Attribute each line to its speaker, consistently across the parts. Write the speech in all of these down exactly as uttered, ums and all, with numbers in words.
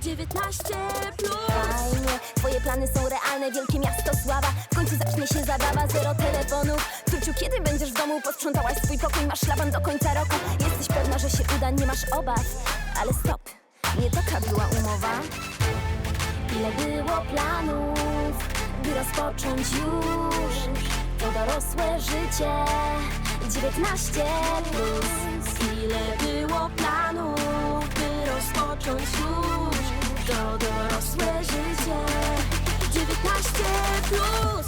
Speaker 1: dziewiętnaście plus. Fajnie, twoje plany są realne, wielkie miasto sława. W końcu zacznie się zabawa, zero telefonów. Tuciu, kiedy będziesz w domu? Posprzątałaś swój pokój, masz szlaban do końca roku. Jesteś pewna, że się uda, nie masz obaw. Ale stop, nie taka była umowa. Ile było planów, by rozpocząć już to dorosłe życie. dziewiętnaście plus. Ile było planów, by rozpocząć już to dorosłe życie. dziewiętnaście plus.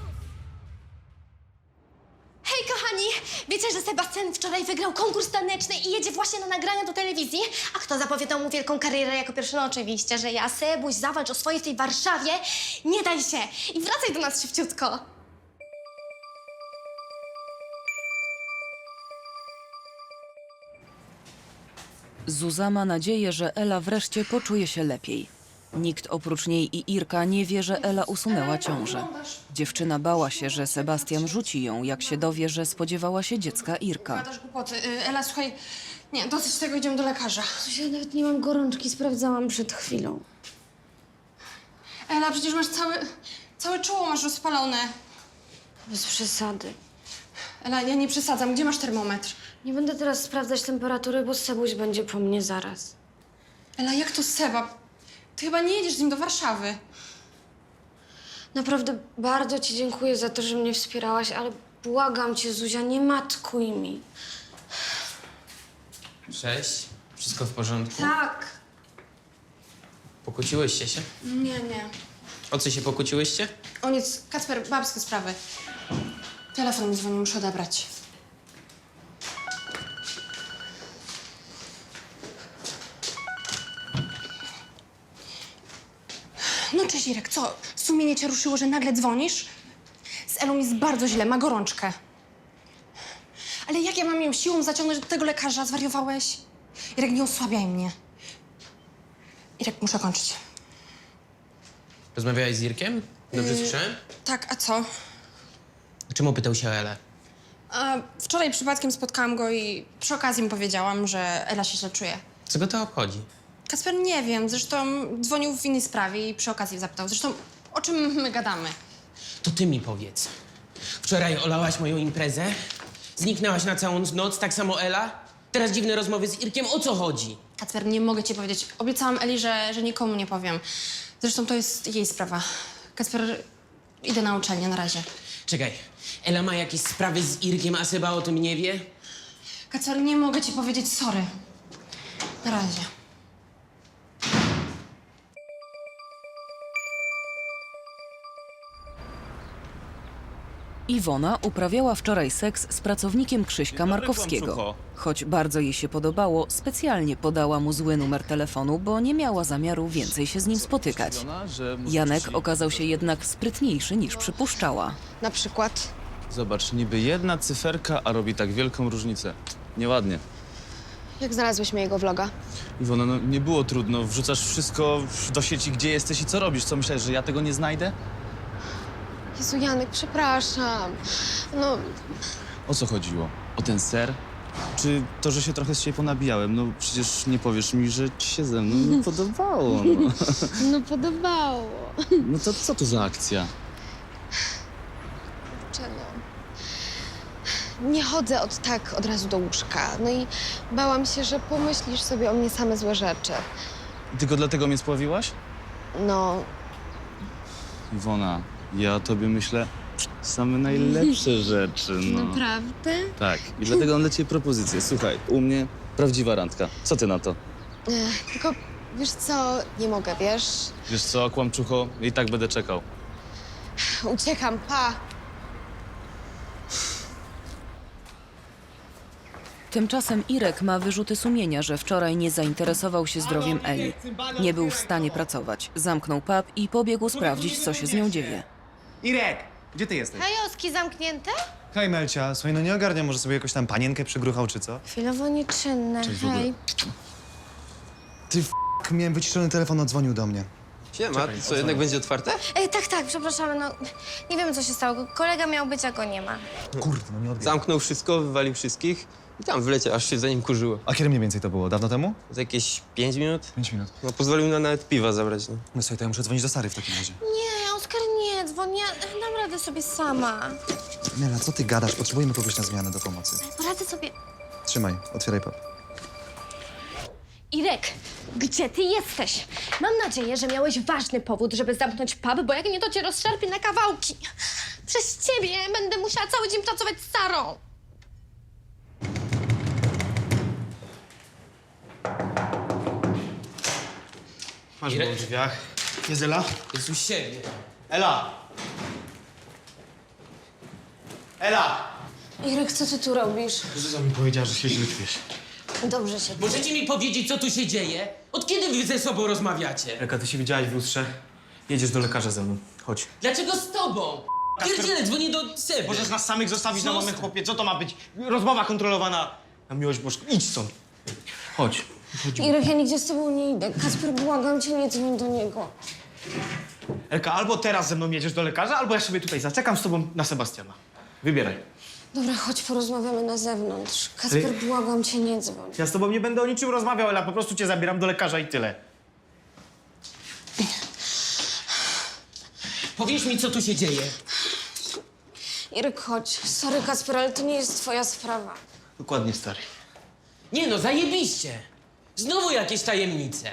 Speaker 2: Hej kochani! Wiecie, że Sebastian wczoraj wygrał konkurs taneczny i jedzie właśnie na nagrania do telewizji? A kto zapowiadał mu wielką karierę jako pierwszy? No oczywiście, że ja. Sebuś, zawalcz o swoje w tej Warszawie. Nie daj się! I wracaj do nas szybciutko.
Speaker 3: Zuza ma nadzieję, że Ela wreszcie poczuje się lepiej. Nikt oprócz niej i Irka nie wie, że Ela usunęła ciążę. Dziewczyna bała się, że Sebastian rzuci ją, jak się dowie, że spodziewała się dziecka Irka.
Speaker 4: Gadasz głupoty. Y, Ela, słuchaj, nie, dosyć tego, idziemy do lekarza.
Speaker 5: Ja nawet nie mam gorączki, sprawdzałam przed chwilą.
Speaker 4: Ela, przecież masz cały, całe czoło masz rozpalone.
Speaker 5: Bez przesady.
Speaker 4: Ela, ja nie przesadzam. Gdzie masz termometr?
Speaker 5: Nie będę teraz sprawdzać temperatury, bo Sebuś będzie po mnie zaraz.
Speaker 4: Ela, jak to Seba? Ty chyba nie jedziesz z nim do Warszawy.
Speaker 5: Naprawdę bardzo ci dziękuję za to, że mnie wspierałaś, ale błagam cię, Zuzia, nie matkuj mi.
Speaker 6: Cześć. Wszystko w porządku?
Speaker 5: Tak.
Speaker 6: Pokłóciłyście się?
Speaker 4: Nie, nie.
Speaker 6: O co się pokłóciłyście?
Speaker 4: O nic, Kacper, babskie sprawy. Telefon mi dzwoni, muszę odebrać. No cześć, Irek, co? Sumienie cię ruszyło, że nagle dzwonisz? Z Elą jest bardzo źle, ma gorączkę. Ale jak ja mam ją siłą zaciągnąć do tego lekarza? Zwariowałeś? Irek, nie osłabiaj mnie. Irek, muszę kończyć.
Speaker 6: Rozmawiałeś z Irkiem? Dobrze słyszałem?
Speaker 4: Tak, a co?
Speaker 6: Czemu pytał się o Elę?
Speaker 4: A wczoraj przypadkiem spotkałam go i przy okazji mu powiedziałam, że Ela się źle czuje.
Speaker 6: Co go to obchodzi?
Speaker 4: Kacper, nie wiem, zresztą dzwonił w innej sprawie i przy okazji zapytał. Zresztą, o czym my gadamy?
Speaker 6: To ty mi powiedz. Wczoraj olałaś moją imprezę? Zniknęłaś na całą noc, tak samo Ela? Teraz dziwne rozmowy z Irkiem, o co chodzi?
Speaker 4: Kacper, nie mogę ci powiedzieć. Obiecałam Eli, że, że nikomu nie powiem. Zresztą to jest jej sprawa. Kacper, idę na uczelnię, na razie.
Speaker 6: Czekaj, Ela ma jakieś sprawy z Irkiem, a Seba o tym nie wie?
Speaker 4: Kacper, nie mogę ci powiedzieć sorry. Na razie.
Speaker 3: Iwona uprawiała wczoraj seks z pracownikiem Krzyśka Markowskiego. Choć bardzo jej się podobało, specjalnie podała mu zły numer telefonu, bo nie miała zamiaru więcej się z nim spotykać. Janek okazał się jednak sprytniejszy niż przypuszczała.
Speaker 4: Na przykład?
Speaker 7: Zobacz, niby jedna cyferka, a robi tak wielką różnicę. Nieładnie.
Speaker 4: Jak znalazłeś mojego vloga?
Speaker 7: Iwona, no nie było trudno. Wrzucasz wszystko do sieci, gdzie jesteś i co robisz. Co, myślałeś, że ja tego nie znajdę?
Speaker 4: Jezu, Janek, przepraszam. No,
Speaker 7: O co chodziło? O ten ser? Czy to, że się trochę z siebie ponabijałem? No przecież nie powiesz mi, że ci się ze mną nie podobało. No,
Speaker 5: No podobało.
Speaker 7: no to co to za akcja?
Speaker 8: Czego? Nie chodzę od tak od razu do łóżka. No i bałam się, że pomyślisz sobie o mnie same złe rzeczy.
Speaker 7: Tylko dlatego mnie spławiłaś?
Speaker 8: No,
Speaker 7: Iwona, ja o tobie myślę same najlepsze rzeczy, no.
Speaker 5: Naprawdę?
Speaker 7: Tak, i dlatego mam dla ciebie propozycję. Słuchaj, u mnie prawdziwa randka. Co ty na to?
Speaker 8: ech, tylko wiesz co, nie mogę, wiesz?
Speaker 7: Wiesz co, kłamczucho, i tak będę czekał.
Speaker 8: Uciekam, pa!
Speaker 3: Tymczasem Irek ma wyrzuty sumienia, że wczoraj nie zainteresował się zdrowiem Eli. Nie był w stanie pracować. Zamknął pub i pobiegł sprawdzić, co się z nią dzieje.
Speaker 9: Irek, gdzie ty jesteś?
Speaker 2: Kajoski zamknięte?
Speaker 9: Hej, Melcia, słuchaj, no nie ogarnia, może sobie jakąś tam panienkę przygruchał, czy co?
Speaker 8: Chwilowo nieczynne,
Speaker 9: Cześć w ogóle.
Speaker 8: hej.
Speaker 9: Ty f***, miałem wyciszony telefon, odzwonił do mnie.
Speaker 10: Siema, co, jednak będzie otwarte?
Speaker 2: Ej, tak, tak, przepraszamy, no nie wiemy, co się stało. Kolega miał być, a go nie ma.
Speaker 9: Kurde, no nie odbieram.
Speaker 10: Zamknął wszystko, wywalił wszystkich i tam wleciał, aż się za nim kurzyło.
Speaker 9: A kiedy mniej więcej to było? Dawno temu?
Speaker 10: Za jakieś pięć minut?
Speaker 9: Pięć minut.
Speaker 10: No pozwolił nam nawet piwa zabrać, no.
Speaker 9: No słuchaj, to ja muszę dzwonić do Sary w takim razie.
Speaker 2: Nie, Oskar, nie, dzwoń, ja dam radę sobie sama.
Speaker 9: Nela, co ty gadasz? Potrzebujemy kogoś na zmianę do pomocy.
Speaker 2: Poradzę sobie.
Speaker 9: Trzymaj, otwieraj pub.
Speaker 2: Irek, gdzie ty jesteś? Mam nadzieję, że miałeś ważny powód, żeby zamknąć pub, bo jak nie, to cię rozszarpie na kawałki. Przez ciebie będę musiała cały dzień pracować z Sarą.
Speaker 9: Masz
Speaker 6: Irek?
Speaker 9: w drzwiach. Jest Ela?
Speaker 6: Jest u siebie.
Speaker 9: Ela! Ela!
Speaker 5: Irek, co ty tu robisz?
Speaker 9: Zuza mi powiedziała, że się źle czujesz.
Speaker 5: Dobrze się...
Speaker 6: Możecie mi powiedzieć, co tu się dzieje? Od kiedy wy ze sobą rozmawiacie?
Speaker 9: Elka, ty się widziałaś w lustrze? Jedziesz do lekarza ze mną. Chodź.
Speaker 6: Dlaczego z tobą? Pierdzielę, dzwonię do Seby.
Speaker 9: Możesz nas samych zostawić na
Speaker 6: Co?
Speaker 9: moment, chłopie. Co to ma być? Rozmowa kontrolowana. Na miłość boską. Idź stąd. Chodź.
Speaker 5: Irek, ja nigdzie z tobą nie idę. Kasper, błagam cię, nie dzwoń do niego.
Speaker 9: Elka, albo teraz ze mną jedziesz do lekarza, albo ja sobie tutaj zaczekam z tobą na Sebastiana. Wybieraj.
Speaker 5: Dobra, chodź, porozmawiamy na zewnątrz. Kasper,
Speaker 9: Ale-
Speaker 5: błagam cię, nie dzwoń.
Speaker 9: Ja z tobą nie będę o niczym rozmawiał, Ela. Po prostu cię zabieram do lekarza i tyle.
Speaker 6: Powiesz mi, co tu się dzieje.
Speaker 5: Irek, chodź. Sorry, Kasper, ale to nie jest twoja sprawa.
Speaker 9: Dokładnie, stary.
Speaker 6: Nie no, zajebiście. Znowu jakieś tajemnice.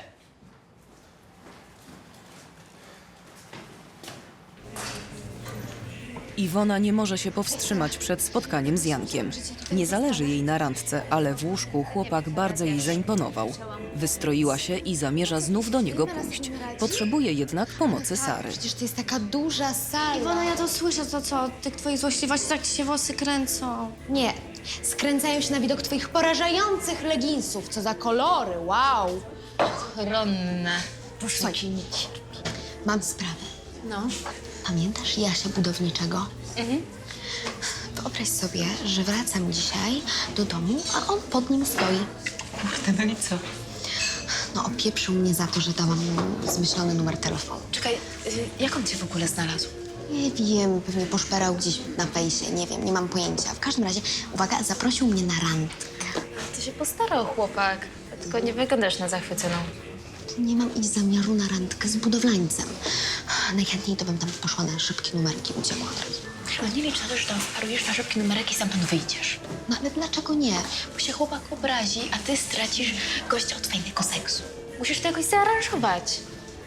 Speaker 3: Iwona nie może się powstrzymać przed spotkaniem z Jankiem. Nie zależy jej na randce, ale w łóżku chłopak bardzo jej zaimponował. Wystroiła się i zamierza znów do niego pójść. Potrzebuje jednak pomocy Sary.
Speaker 8: Przecież to jest taka duża sala.
Speaker 2: Iwona, ja to słyszę, to co? Od tych twoich złośliwości tak ci się włosy kręcą.
Speaker 8: Nie, skręcają się na widok twoich porażających leginsów. Co za kolory, wow.
Speaker 11: Ronna.
Speaker 8: Słuchaj, nie cierpi. Mam sprawę. No. Pamiętasz Jasia Budowniczego? Mhm. Wyobraź sobie, że wracam dzisiaj do domu, a on pod nim stoi.
Speaker 11: Kurde, no i co?
Speaker 8: No, opieprzył mnie za to, że dałam mu zmyślony numer telefonu.
Speaker 11: Czekaj, y, jak on cię w ogóle znalazł?
Speaker 8: Nie wiem, pewnie poszperał gdzieś na fejsie, nie wiem, nie mam pojęcia. W każdym razie, uwaga, zaprosił mnie na randkę.
Speaker 11: To się postarał chłopak, tylko nie wyglądasz na zachwyconą.
Speaker 8: Nie mam iść zamiaru na randkę z budowlańcem. Najchętniej to bym tam poszła na szybkie numerki, uciekła od razu.
Speaker 11: Chyba nie licz na to, że tam wparujesz na szybki numerek i stamtąd wyjdziesz.
Speaker 8: No ale dlaczego nie?
Speaker 11: Bo się chłopak obrazi, a ty stracisz gościa od fajnego seksu. Musisz to jakoś zaaranżować.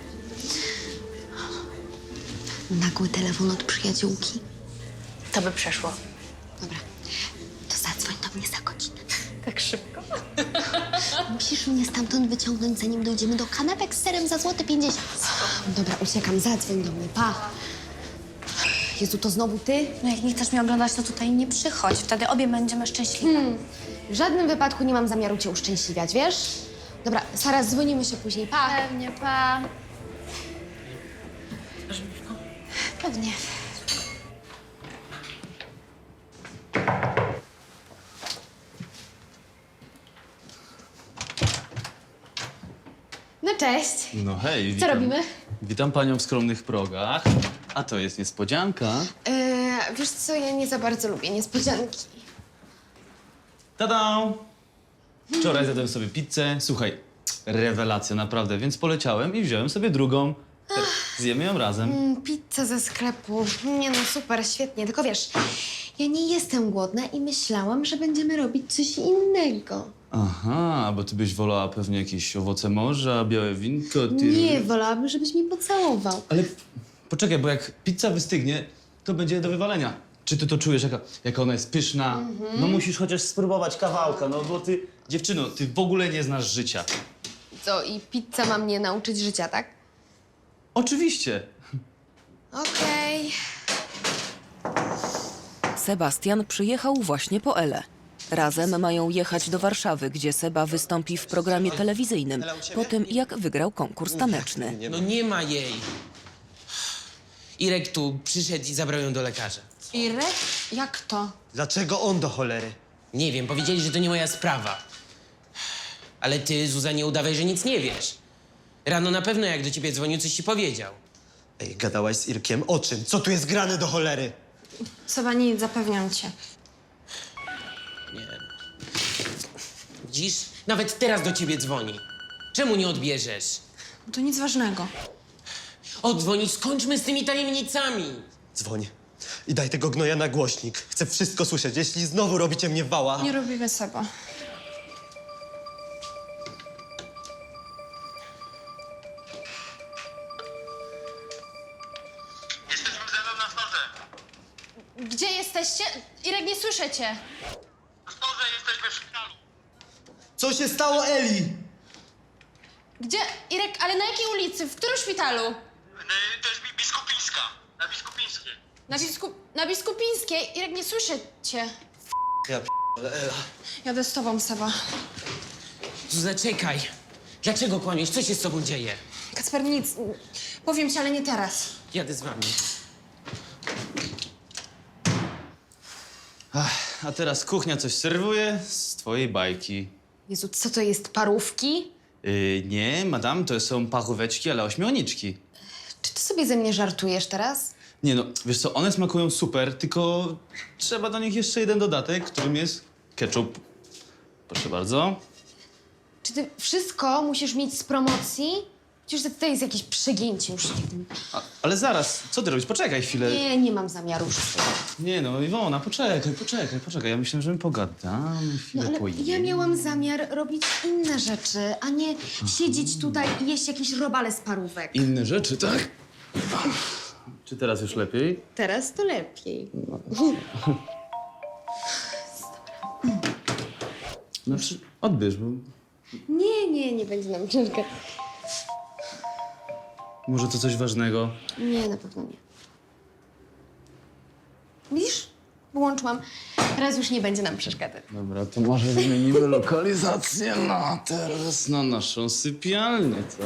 Speaker 8: Nagły telefon od przyjaciółki.
Speaker 11: To by przeszło.
Speaker 8: Dobra, to zadzwoń do mnie za godzinę.
Speaker 11: Tak szybko?
Speaker 8: Musisz mnie stamtąd wyciągnąć, zanim dojdziemy do kanapek z serem za złote pięćdziesiąt. Dobra, uciekam, zadzwoń do mnie, pa. Jezu, to znowu ty?
Speaker 2: No jak nie chcesz mnie oglądać, to tutaj nie przychodź. Wtedy obie będziemy szczęśliwe.
Speaker 8: Hmm. W żadnym wypadku nie mam zamiaru cię uszczęśliwiać, wiesz? Dobra, Sara, dzwonimy się później, pa.
Speaker 2: Pewnie, pa. Pewnie.
Speaker 8: No cześć.
Speaker 7: No hej,
Speaker 8: Co
Speaker 7: witam.
Speaker 8: robimy?
Speaker 7: Witam panią w skromnych progach. A to jest niespodzianka.
Speaker 8: Yy, wiesz co, ja nie za bardzo lubię niespodzianki.
Speaker 7: Tada! Wczoraj zjadłem sobie pizzę. Słuchaj, rewelacja naprawdę, więc poleciałem i wziąłem sobie drugą. Teraz zjemy ją razem.
Speaker 8: Mm, pizza ze sklepu. Nie no, super, świetnie. Tylko wiesz, ja nie jestem głodna i myślałam, że będziemy robić coś innego.
Speaker 7: Aha, bo ty byś wolała pewnie jakieś owoce morza, białe winko, ty...
Speaker 8: Nie, wolałabym, żebyś mnie pocałował.
Speaker 7: Ale poczekaj, bo jak pizza wystygnie, to będzie do wywalenia. Czy ty to czujesz, jaka, jaka ona jest pyszna? No musisz chociaż spróbować kawałka, no bo ty, dziewczyno, ty w ogóle nie znasz życia.
Speaker 8: Co, i pizza ma mnie nauczyć życia, tak?
Speaker 7: Oczywiście.
Speaker 8: Okej.
Speaker 3: Sebastian przyjechał właśnie po Elę. Razem mają jechać do Warszawy, gdzie Seba wystąpi w programie telewizyjnym, po tym jak wygrał konkurs taneczny.
Speaker 6: No nie ma jej. Irek tu przyszedł i zabrał ją do lekarza.
Speaker 4: Irek? Jak to?
Speaker 10: Dlaczego on do cholery?
Speaker 6: Nie wiem, powiedzieli, że to nie moja sprawa. Ale ty, Zuza, nie udawaj, że nic nie wiesz. Rano na pewno jak do ciebie dzwonił, coś ci powiedział.
Speaker 12: Ej, gadałaś z Irkiem? O czym? Co tu jest grane do cholery?
Speaker 4: Seba, nic, zapewniam cię.
Speaker 6: Nie. Widzisz? Nawet teraz do ciebie dzwoni. Czemu nie odbierzesz?
Speaker 4: To nic ważnego.
Speaker 6: Odzwonić, skończmy z tymi tajemnicami.
Speaker 12: Dzwoń. I daj tego gnoja na głośnik. Chcę wszystko słyszeć. Jeśli znowu robicie mnie wała...
Speaker 4: Nie robimy Seba.
Speaker 9: Jesteśmy ze mną na storze.
Speaker 2: Gdzie jesteście? Irek, nie słyszę cię.
Speaker 9: Na storze jesteśmy w szpitalu.
Speaker 12: Co się stało, Eli?
Speaker 2: Gdzie? Irek, ale na jakiej ulicy? W którym szpitalu?
Speaker 9: To jest Bi- Biskupińska. Na Biskupińskiej.
Speaker 2: Na, Biskup... na Biskupińskiej. Irek, nie słyszę cię.
Speaker 12: Ja p... ale Ela...
Speaker 4: Jadę z tobą, Seba.
Speaker 6: Zaczekaj. Dlaczego kłamiesz? Co się z tobą dzieje?
Speaker 4: Kacper, nic. Powiem ci, ale nie teraz.
Speaker 6: Jadę z wami.
Speaker 7: Ach, a teraz kuchnia coś serwuje z twojej bajki.
Speaker 5: Jezu, co to jest, parówki?
Speaker 7: Yy, nie, madam, to są paróweczki, ale ośmiorniczki.
Speaker 5: Czy ty sobie ze mnie żartujesz teraz?
Speaker 7: Nie no, wiesz co, one smakują super, tylko trzeba do nich jeszcze jeden dodatek, którym jest ketchup. Proszę bardzo.
Speaker 5: Czy ty wszystko musisz mieć z promocji? Przecież to jest jakieś przegięcie już.
Speaker 7: A, ale zaraz, co ty robisz? Poczekaj chwilę.
Speaker 5: Nie, nie mam zamiaru wszystkiego.
Speaker 7: Nie no, Iwona, poczekaj, poczekaj, poczekaj. Ja myślę, że my pogadamy, chwilę
Speaker 5: No ale
Speaker 7: pojemy.
Speaker 5: ja miałam zamiar robić inne rzeczy, a nie siedzieć tutaj i jeść jakieś robale z parówek.
Speaker 7: Inne rzeczy, tak? Czy teraz już lepiej?
Speaker 5: Teraz to lepiej.
Speaker 7: No, przy- odbierz, bo
Speaker 5: Nie, nie, nie będzie nam ciężko.
Speaker 7: może to coś ważnego.
Speaker 5: Nie, na pewno nie. Widzisz? Wyłączyłam. Teraz już nie będzie nam przeszkadzać.
Speaker 7: Dobra, to może zmienimy lokalizację na teraz na naszą sypialnię, co?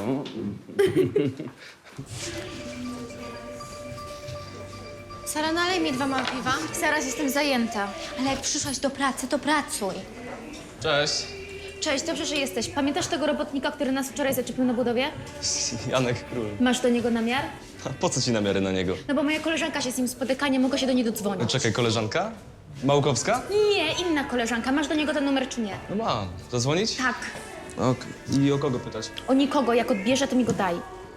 Speaker 2: Sara, nalej mi dwa małe piwa. Zaraz jestem zajęta.
Speaker 11: Ale jak przyszłaś do pracy, to pracuj.
Speaker 10: Cześć.
Speaker 11: Cześć, dobrze, że jesteś. Pamiętasz tego robotnika, który nas wczoraj zaczepił na budowie?
Speaker 10: Janek Król.
Speaker 11: Masz do niego namiar?
Speaker 10: A po co ci namiary na niego?
Speaker 11: No bo moja koleżanka się z nim spotyka, nie mogę się do niej dodzwonić.
Speaker 10: Czekaj, koleżanka? Małkowska?
Speaker 11: Nie, inna koleżanka. Masz do niego ten numer czy nie?
Speaker 10: No ma. Zadzwonić?
Speaker 11: Tak.
Speaker 10: Okej. I o kogo pytać?
Speaker 11: O nikogo. Jak odbierze, to mi go daj.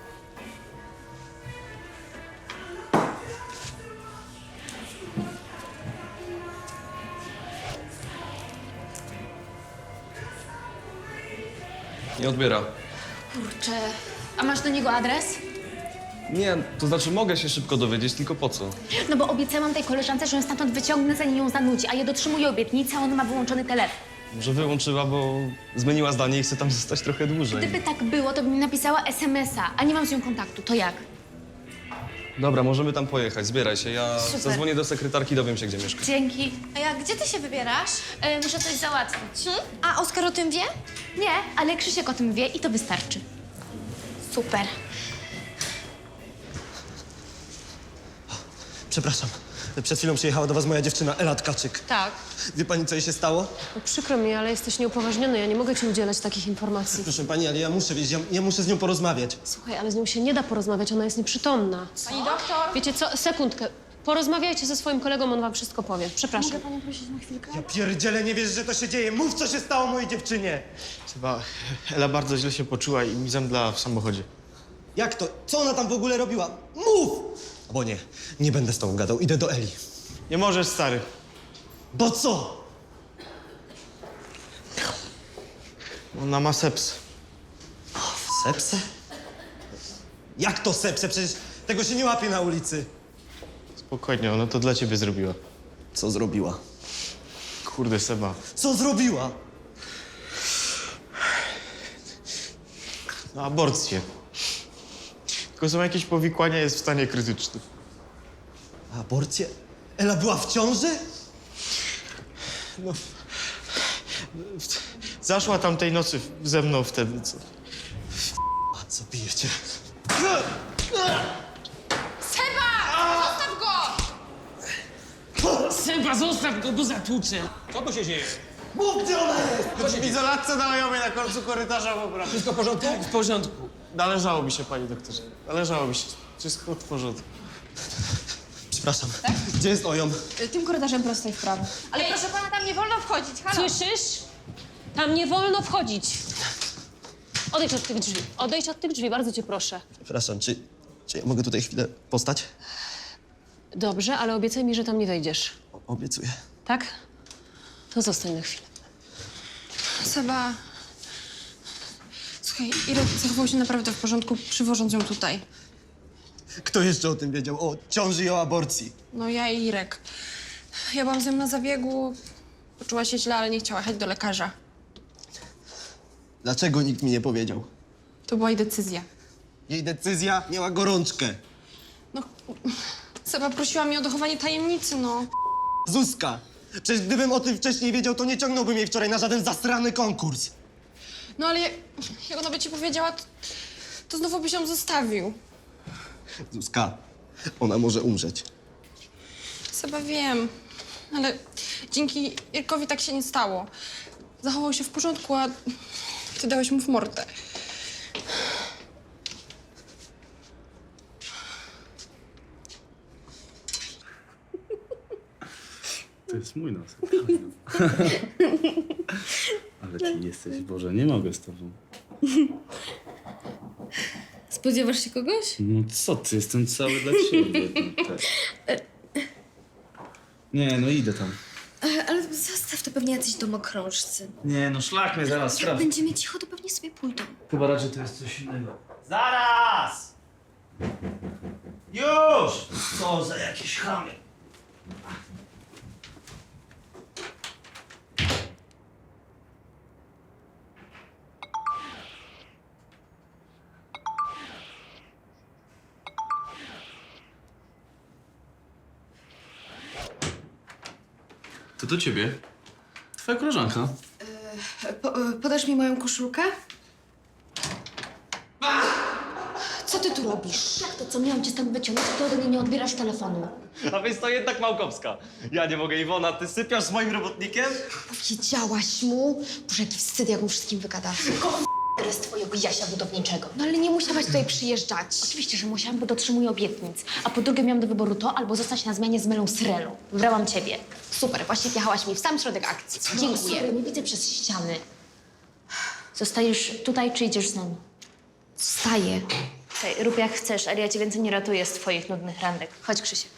Speaker 10: Nie odbiera.
Speaker 11: Kurczę. A masz do niego adres?
Speaker 10: Nie, to znaczy mogę się szybko dowiedzieć, tylko po co?
Speaker 11: No bo obiecałam tej koleżance, że ją stamtąd wyciągnę, zanim ją zanudzi, a ja dotrzymuję obietnicy, a on ma wyłączony telefon.
Speaker 10: Może wyłączyła, bo zmieniła zdanie i chce tam zostać trochę dłużej.
Speaker 11: Gdyby tak było, to by mi napisała es em es a, a nie mam z nią kontaktu. To jak?
Speaker 10: Dobra, możemy tam pojechać, zbieraj się. Ja
Speaker 11: Super.
Speaker 10: zadzwonię do sekretarki, dowiem się, gdzie mieszka.
Speaker 11: Dzięki.
Speaker 2: A ja, gdzie ty się wybierasz?
Speaker 11: E, muszę coś załatwić.
Speaker 2: Hmm? A Oskar o tym wie?
Speaker 11: Nie, ale Krzysiek o tym wie i to wystarczy.
Speaker 2: Super.
Speaker 12: Przepraszam. Przed chwilą przyjechała do was moja dziewczyna Ela Tkaczyk.
Speaker 5: Tak.
Speaker 12: Wie pani, co jej się stało?
Speaker 5: No, przykro mi, ale jesteś nieupoważniony. Ja nie mogę ci udzielać takich informacji.
Speaker 12: Proszę pani, ale ja muszę wiedzieć, ja, ja muszę z nią porozmawiać.
Speaker 5: Słuchaj, ale z nią się nie da porozmawiać, ona jest nieprzytomna.
Speaker 2: Pani doktor?
Speaker 5: Wiecie co? Sekundkę. Porozmawiajcie ze swoim kolegą, on wam wszystko powie. Przepraszam.
Speaker 11: Panią prosić na chwilkę?
Speaker 12: Ja pierdzielę, nie wiesz, że to się dzieje. Mów, co się stało mojej dziewczynie.
Speaker 9: Chyba Ela bardzo źle się poczuła i mi zemdlała w samochodzie.
Speaker 12: Jak to? Co ona tam w ogóle robiła? Mów! Bo nie, nie będę z tobą gadał. Idę do Eli.
Speaker 9: Nie możesz, stary.
Speaker 12: Bo co?
Speaker 9: Ona ma sepsę.
Speaker 12: Sepsę? Jak to sepsę? Przecież tego się nie łapie na ulicy.
Speaker 9: Spokojnie, ona to dla ciebie zrobiła.
Speaker 12: Co zrobiła?
Speaker 9: Kurde, Seba.
Speaker 12: Co zrobiła?
Speaker 9: Na aborcję. Tylko są jakieś powikłania, jest w stanie krytycznym.
Speaker 12: Aborcję? Ela była w ciąży?
Speaker 9: No. Zaszła tamtej nocy ze mną wtedy, co?
Speaker 12: A co pijecie?
Speaker 6: Seba, zostaw go, bo zatłuczę.
Speaker 10: Co tu się dzieje?
Speaker 12: Mów, gdzie ona jest!
Speaker 9: W izolatce nalejowej na końcu korytarza w obrady.
Speaker 10: Wszystko w porządku?
Speaker 6: Tak, w porządku.
Speaker 9: należałoby się, panie doktorze. Należałoby się. Wszystko w porządku.
Speaker 12: Przepraszam. Gdzie jest Ojom?
Speaker 4: Tym korytarzem prosto i w prawo.
Speaker 5: Ale proszę pana, tam nie wolno wchodzić, halo? Słyszysz? Tam nie wolno wchodzić. Odejdź od tych drzwi. Odejdź od tych drzwi, bardzo cię proszę.
Speaker 12: Przepraszam, czy, czy ja mogę tutaj chwilę postać?
Speaker 5: Dobrze, ale obiecaj mi, że tam nie wejdziesz.
Speaker 12: O, obiecuję.
Speaker 5: Tak? To zostań na chwilę.
Speaker 4: Seba... Słuchaj, Irek zachował się naprawdę w porządku, przywożąc ją tutaj.
Speaker 12: Kto jeszcze o tym wiedział? O ciąży i o aborcji.
Speaker 4: No ja i Irek. Ja byłam z nią na zabiegu, poczuła się źle, ale nie chciała jechać do lekarza.
Speaker 12: Dlaczego nikt mi nie powiedział?
Speaker 4: To była jej decyzja.
Speaker 12: Jej decyzja miała gorączkę.
Speaker 4: No, Seba prosiła mnie o dochowanie tajemnicy, no.
Speaker 12: Zuzka! Przecież gdybym o tym wcześniej wiedział, to nie ciągnąłbym jej wczoraj na żaden zasrany konkurs.
Speaker 4: No ale jak, jak ona by ci powiedziała, to, to znowu byś ją zostawił.
Speaker 12: Zuzka, ona może umrzeć.
Speaker 4: Seba, wiem, ale dzięki Irkowi tak się nie stało. Zachował się w porządku, a ty dałeś mu w mordę.
Speaker 7: To jest mój nos. Ale ty jesteś, Boże, nie mogę z tobą.
Speaker 11: Spodziewasz się kogoś?
Speaker 7: No co ty, jestem cały dla ciebie. No, tak. Nie, no idę tam.
Speaker 11: Ale zostaw, to pewnie jacyś domokrążcy.
Speaker 7: Nie, no szlak mnie zaraz,
Speaker 11: Jak
Speaker 7: sprawdź.
Speaker 11: będziemy cicho, to pewnie sobie pójdą.
Speaker 7: Chyba raczej to jest coś innego. Zaraz! Już! Co za jakieś chamy. To do ciebie. Twoja koleżanka.
Speaker 11: Po, podasz mi moją koszulkę? Co ty tu robisz?
Speaker 2: Jak to, co miałam cię stąd wyciągnąć, to ode mnie nie odbierasz telefonu.
Speaker 12: A więc to jednak Małkowska. Ja nie mogę, Iwona, ty sypiasz z moim robotnikiem?
Speaker 8: Powiedziałaś mu? Boże, jaki wstyd, jak mu wszystkim wygadasz.
Speaker 2: Teraz twojego Jasia budowniczego.
Speaker 8: No ale nie musiałaś tutaj przyjeżdżać.
Speaker 2: Oczywiście, że musiałam, bo dotrzymuję obietnic. A po drugie miałam do wyboru to, albo zostać na zmianie z Mylą Srelą. Wybrałam ciebie.
Speaker 8: Super, właśnie wjechałaś mi w sam środek akcji. Dziękuję.
Speaker 2: Sorry, nie widzę przez ściany. Zostajesz tutaj, czy idziesz z nami?
Speaker 8: Wstaję.
Speaker 2: Słuchaj, rób jak chcesz, ale ja cię więcej nie ratuję z twoich nudnych randek. Chodź, Krzysiek.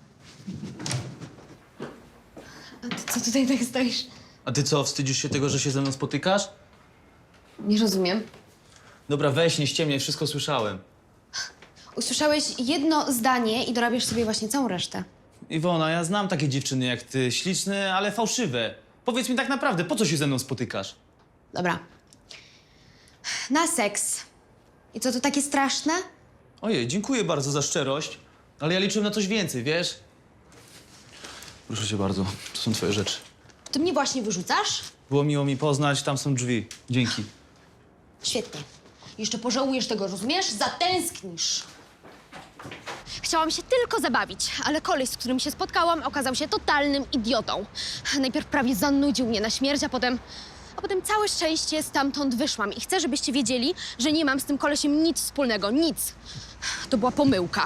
Speaker 8: A ty co tutaj tak stoisz?
Speaker 7: A ty co, wstydzisz się tego, że się ze mną spotykasz?
Speaker 8: Nie rozumiem.
Speaker 7: Dobra, weź, nie ściemniaj, wszystko słyszałem.
Speaker 8: Usłyszałeś jedno zdanie i dorabiasz sobie właśnie całą resztę.
Speaker 7: Iwona, ja znam takie dziewczyny jak ty, śliczne, ale fałszywe. Powiedz mi tak naprawdę, po co się ze mną spotykasz?
Speaker 8: Dobra. Na seks. I co, to takie straszne?
Speaker 7: Ojej, dziękuję bardzo za szczerość, ale ja liczyłem na coś więcej, wiesz? Proszę cię bardzo, to są twoje rzeczy.
Speaker 8: Ty mnie właśnie wyrzucasz?
Speaker 7: Było miło mi poznać, tam są drzwi. Dzięki.
Speaker 8: Świetnie. Jeszcze pożałujesz tego, rozumiesz? Zatęsknisz. Chciałam się tylko zabawić, ale koleś, z którym się spotkałam, okazał się totalnym idiotą. Najpierw prawie zanudził mnie na śmierć, a potem... A potem całe szczęście stamtąd wyszłam i chcę, żebyście wiedzieli, że nie mam z tym kolesiem nic wspólnego, nic. To była pomyłka.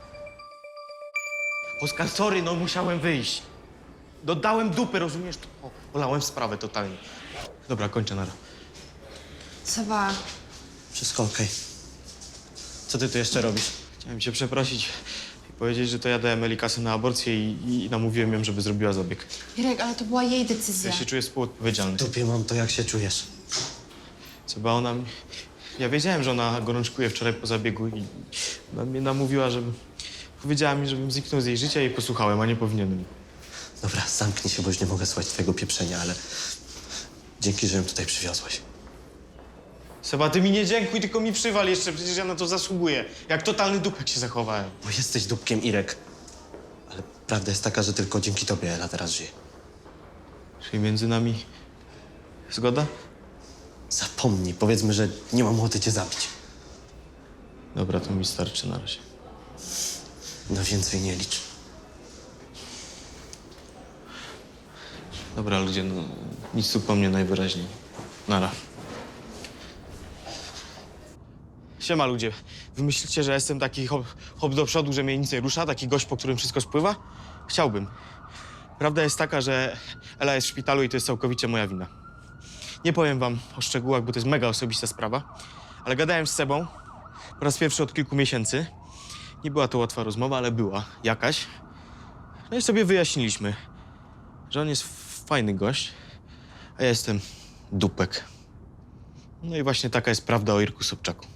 Speaker 9: Oskar, sorry, no musiałem wyjść. Dodałem dupy, rozumiesz? O, polałem sprawę totalnie. Dobra, kończę, nara.
Speaker 4: Seba,
Speaker 12: Wszystko okej. Co ty tu jeszcze robisz?
Speaker 9: Chciałem cię przeprosić i powiedzieć, że to ja dałem Eli kasę na aborcję i, i namówiłem ją, żeby zrobiła zabieg.
Speaker 4: Irek, ale to była jej decyzja.
Speaker 9: Ja się czuję współodpowiedzialny.
Speaker 12: W dupie mam to, jak się czujesz.
Speaker 9: Co by ona mi... Ja wiedziałem, że ona gorączkuje wczoraj po zabiegu i ona mnie namówiła, żebym... Powiedziała mi, żebym zniknął z jej życia i posłuchałem, a nie powinienem.
Speaker 12: Dobra, zamknij się, bo już nie mogę słuchać twojego pieprzenia, ale dzięki, że ją tutaj przywiozłeś.
Speaker 9: Seba, ty mi nie dziękuj, tylko mi przywal jeszcze, przecież ja na to zasługuję. Jak totalny dupek się zachowałem.
Speaker 12: Bo jesteś dupkiem, Irek. Ale prawda jest taka, że tylko dzięki tobie Ela teraz żyje.
Speaker 9: Czyli między nami... Zgoda?
Speaker 12: Zapomnij, powiedzmy, że nie mam ochoty cię zabić.
Speaker 9: Dobra, to mi starczy na razie.
Speaker 12: Na więcej nie licz.
Speaker 9: Dobra, ludzie, no nic tu po mnie najwyraźniej. Nara. Siema ludzie. Wy myślicie, że jestem taki hop, hop do przodu, że mnie nic nie rusza? Taki gość, po którym wszystko spływa? Chciałbym. Prawda jest taka, że Ela jest w szpitalu i to jest całkowicie moja wina. Nie powiem wam o szczegółach, bo to jest mega osobista sprawa, ale gadałem z Sebą po raz pierwszy od kilku miesięcy. Nie była to łatwa rozmowa, ale była jakaś. No i sobie wyjaśniliśmy, że on jest fajny gość, a ja jestem dupek. No i właśnie taka jest prawda o Irku Sobczaku.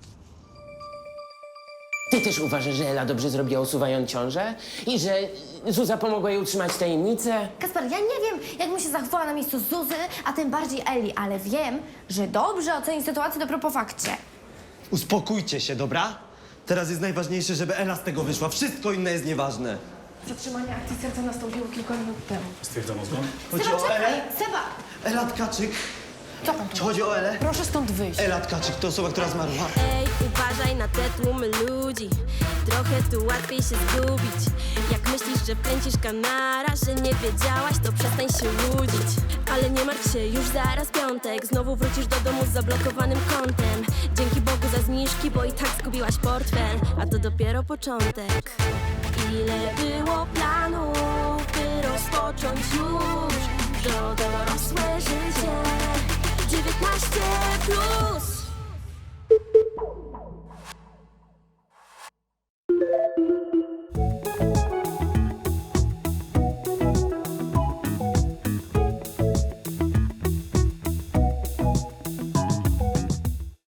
Speaker 6: Ty też uważasz, że Ela dobrze zrobiła, usuwając ciążę? I że Zuza pomogła jej utrzymać tajemnicę?
Speaker 2: Kasper, ja nie wiem, jak bym się zachowała na miejscu Zuzy, a tym bardziej Eli, ale wiem, że dobrze oceni sytuację dopiero po fakcie.
Speaker 12: Uspokójcie się, dobra? Teraz jest najważniejsze, żeby Ela z tego wyszła. Wszystko inne jest nieważne.
Speaker 4: Zatrzymanie akcji serca nastąpiło kilka minut temu.
Speaker 12: Stwierdzam zgon? Chodzi
Speaker 2: Seba,
Speaker 12: o
Speaker 2: czekaj!
Speaker 12: Elę?
Speaker 2: Seba!
Speaker 12: Ela Tkaczyk.
Speaker 4: Co pan tu?
Speaker 12: Czy chodzi o Elę?
Speaker 4: Proszę stąd wyjść.
Speaker 12: Ela Tkaczyk to osoba, która zmarła.
Speaker 1: Ej, uważaj na te tłumy ludzi. Trochę tu łatwiej się zgubić. Jak myślisz, że pędzisz kanara, że nie wiedziałaś, to przestań się łudzić. Ale nie martw się, już zaraz piątek. Znowu wrócisz do domu z zablokowanym kontem. Dzięki Bogu za zniżki, bo i tak zgubiłaś portfel. A to dopiero początek. Ile było planów, by rozpocząć już to dorosłe życie. dziewiętnaście plus.